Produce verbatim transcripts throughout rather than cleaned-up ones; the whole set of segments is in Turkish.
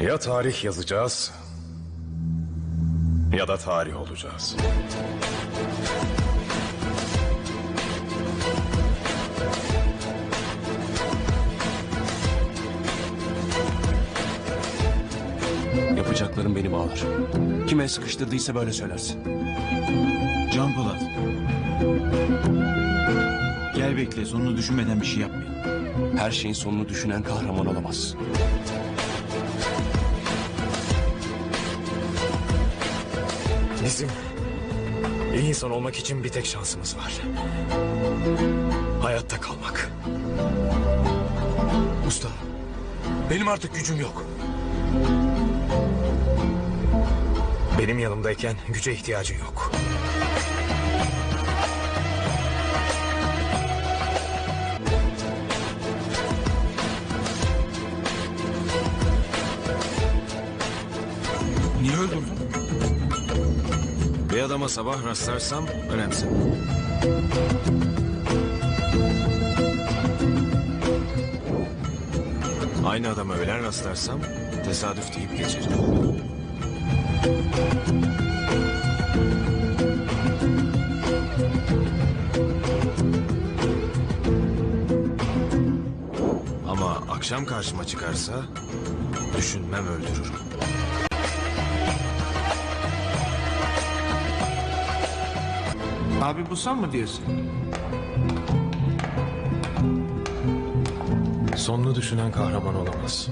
Ya tarih yazacağız ya da tarih olacağız. Yapacaklarım beni bağlar. Kime sıkıştırdıysa böyle söylersin. Can Polat. Gel bekle, sonunu düşünmeden bir şey yapmayalım. Her şeyin sonunu düşünen kahraman olamaz. Bizim iyi insan olmak için bir tek şansımız var. Hayatta kalmak. Usta, benim artık gücüm yok. Benim yanımdayken güce ihtiyacın yok. Niye öldürdün? Bir adama sabah rastlarsam önemsin. Aynı adama öğlen rastlarsam tesadüf deyip geçerim. Ama akşam karşıma çıkarsa düşünmem, öldürürüm. Abi bu sen mı diyorsun? Sonunu düşünen kahraman olamaz.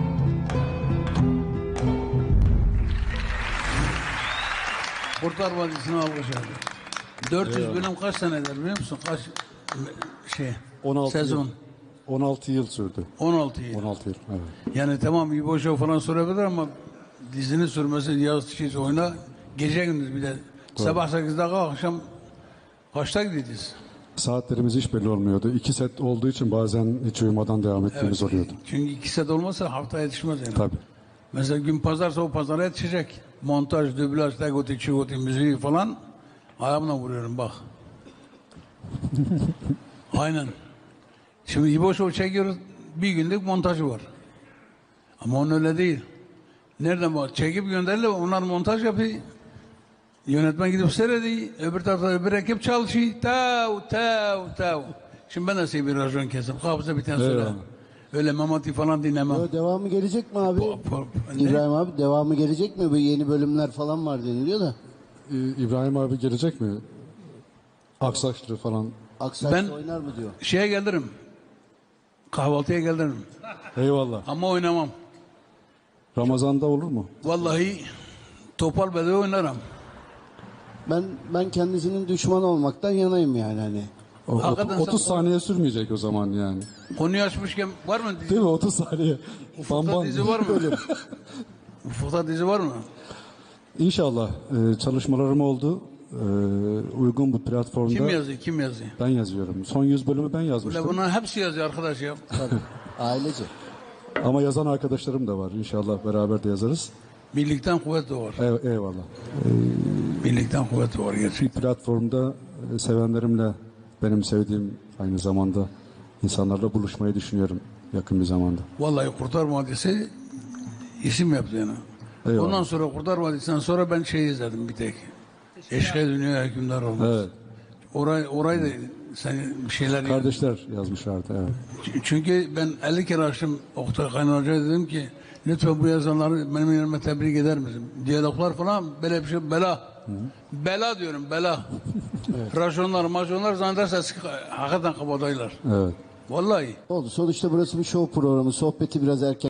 Kurtlar Vadisi'ne alkış abi. dört yüz bölüm kaç senedir biliyor musun? Kaç şey on altı sezon? Yıl, on altı yıl sürdü. on altı yıl. on altı yıl, evet. Yani tamam İbo Show falan sorabilir ama dizinin sürmesi yaz şey oyna gece gündüz bir de sabah sekizde kalk akşam kaçta gideceğiz? Saatlerimiz hiç belli olmuyordu. İki set olduğu için bazen hiç uyumadan devam ettiğimiz oluyordu. Çünkü iki set olmazsa hafta yetişmez yani. Tabii. Mesela gün pazarsa o pazara yetişecek. Montaj, dublaj, tegoti, çigoti, müziği falan ayağımla vuruyorum bak. Aynen. Şimdi İbo Show çekiyoruz. Bir günlük montajı var. Ama onun öyle değil. Nereden bak? Çekip gönderdiler. Onlar montaj yapıyor. Yönetmen gidip seyrediyor. Öbür tarafta öbür ekip çalışıyor. Tav tav tav. Şimdi ben de size bir rajon kesip hafıza bir tane söyle. Eyvallah. Öyle Memati falan dinlemem. Yo, devamı gelecek mi abi? Po- po- ne? İbrahim abi devamı gelecek mi? Bu yeni bölümler falan var deniliyor da. Ee, İbrahim abi gelecek mi? Aksaçlı falan. Aksaç Ben- oynar mı diyor. Şeye gelirim. Kahvaltıya gelirim. Eyvallah. Ama oynamam. Ramazan'da olur mu? Vallahi topal bedava oynarım. Ben ben kendisinin düşman olmaktan yanayım yani hani. O- Hakikaten otuz sen- saniye sürmeyecek o zaman yani. Konuyu açmışken var mı dizi? Değil mi? otuz saniye. Ufukta Bam dizi bam. var mı? Ufukta dizi var mı? İnşallah e, çalışmalarım oldu. E, uygun bu platformda. Kim yazıyor? Kim yazıyor? Ben yazıyorum. Son yüz bölümü ben Ulan yazmıştım. bunların hepsi yazıyor arkadaş ya. Ailece. Ama yazan arkadaşlarım da var. İnşallah beraber de yazarız. Birlikten kuvvet doğar. Ey- eyvallah. Birlikten kuvvet doğar gerçekten. Bir platformda e, sevenlerimle, benim sevdiğim aynı zamanda insanlarla buluşmayı düşünüyorum yakın bir zamanda. Vallahi Kurtar Vadisi isim yaptı yani. Eyvallah. Ondan sonra Kurtar Vadisi'nden sonra ben şey izledim bir tek. Eşkıya Dünya Hükümdar Olmaz. Evet. Orayı, orayı da sen bir şeyler... Kardeşler yazmışlardı. Evet. Çünkü ben elli kere açtım Oktay Kaynar Hoca'ya dedim ki lütfen bu yazanları benim yerime tebrik eder misin? Diyaloglar falan böyle bir şey bela. Bela diyorum bela. Rajonlar majonlar zannederse hakikaten kabadayılar. Evet. Vallahi. Oldu. Sonuçta burası bir show programı. Sohbeti biraz erken